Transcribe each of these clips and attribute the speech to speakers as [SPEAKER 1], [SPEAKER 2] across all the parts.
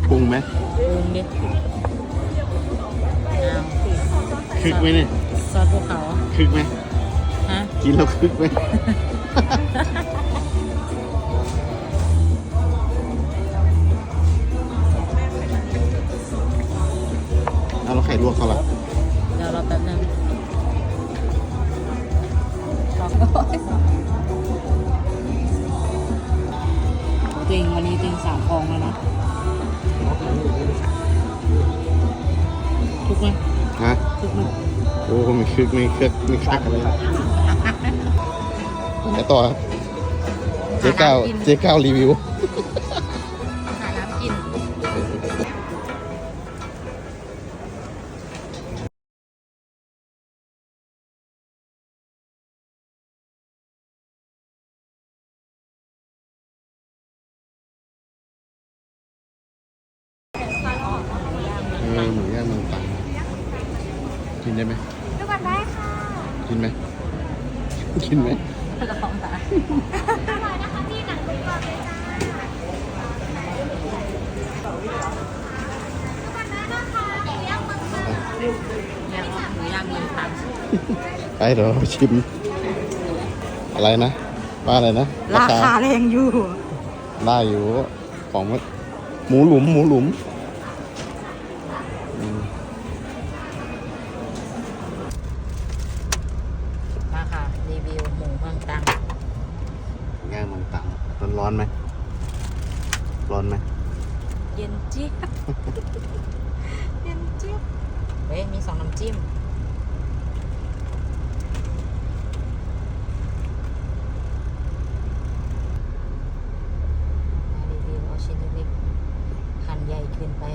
[SPEAKER 1] ปรุงไหม
[SPEAKER 2] ปรุงดิเอา
[SPEAKER 1] คึกไหมเนี่ย
[SPEAKER 2] ซอสภูเขา
[SPEAKER 1] คึกไหม
[SPEAKER 2] ฮะ
[SPEAKER 1] กินแล้วคึกไหม เอาแล้วไข่ลวกเขาล่ะ
[SPEAKER 2] เดี๋ยวเราแป๊บนึงจริงวันนี้จริง3 ฟองแล้วนะทุกไหม
[SPEAKER 1] ฮะ
[SPEAKER 2] ทุกไหม
[SPEAKER 1] โอ้ไม่คึกไม่คึกไม่คักอะไรไหนต่อครับเจ๊ก้าวรีวิว
[SPEAKER 2] หาน้ำกิน
[SPEAKER 1] หมูย่างเมืองตรังกินได้ไหม
[SPEAKER 3] ดูก่อนได้ค่ะ
[SPEAKER 1] กินไหมกินไหม
[SPEAKER 2] ลองนะ
[SPEAKER 3] อร่อยนะคะพี่หนังหมูกรอบเลยจ้าดูก่อนได้นะคะหมูย่างมันค่ะ
[SPEAKER 2] เนี่ยหมูย่างเมืองตรัง
[SPEAKER 1] ไปเดี๋ยวเราชิม อะไรนะว่าอะไรนะ
[SPEAKER 2] ราคาแรงอยู่
[SPEAKER 1] ได้อยู่ของหมูหลุม
[SPEAKER 2] มาค่ะรีวิวหมูเมืองตรัง
[SPEAKER 1] ย่างเมืองตรังร้อนไหมร้อนไหม
[SPEAKER 2] เย็นจี๊บ เย็นจี๊บเฮ้ยมี2 น้ำจิ้มมารีวิวเอาชิ้นเล็กๆหั่นใหญ่ขึ้นไป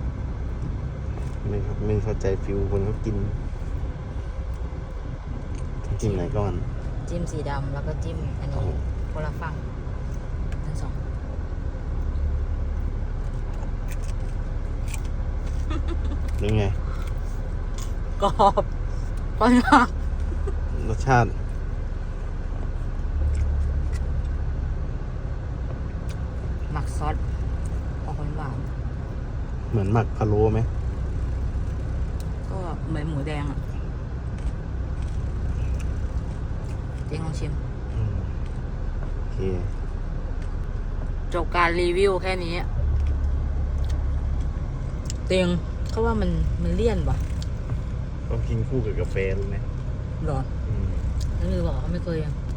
[SPEAKER 1] ไม่เข้าใจฟิลคนเขากินจิ้มไหนก่อน
[SPEAKER 2] จิ้มสีดำแล้วก็จิ้มอันนี้คนละฝั่งทั้ง 2
[SPEAKER 1] เป็นไง
[SPEAKER 2] กรอบไปมาก
[SPEAKER 1] รสชาติ
[SPEAKER 2] หมักซอสออกหวาน
[SPEAKER 1] เหมือนหมักพะโล้ไหม
[SPEAKER 2] ๆก็เหมือนหมูแดงอ่ะเจ๊งลองชิม
[SPEAKER 1] โอเค
[SPEAKER 2] จบการรีวิวแค่นี้เตียงเขาว่ามันเลี่ยนป่ะ
[SPEAKER 1] ต้องกินคู่กับกาแฟรู้ไหม
[SPEAKER 2] หรอนั่นคือบอกเขาไม่เคยอ่ะ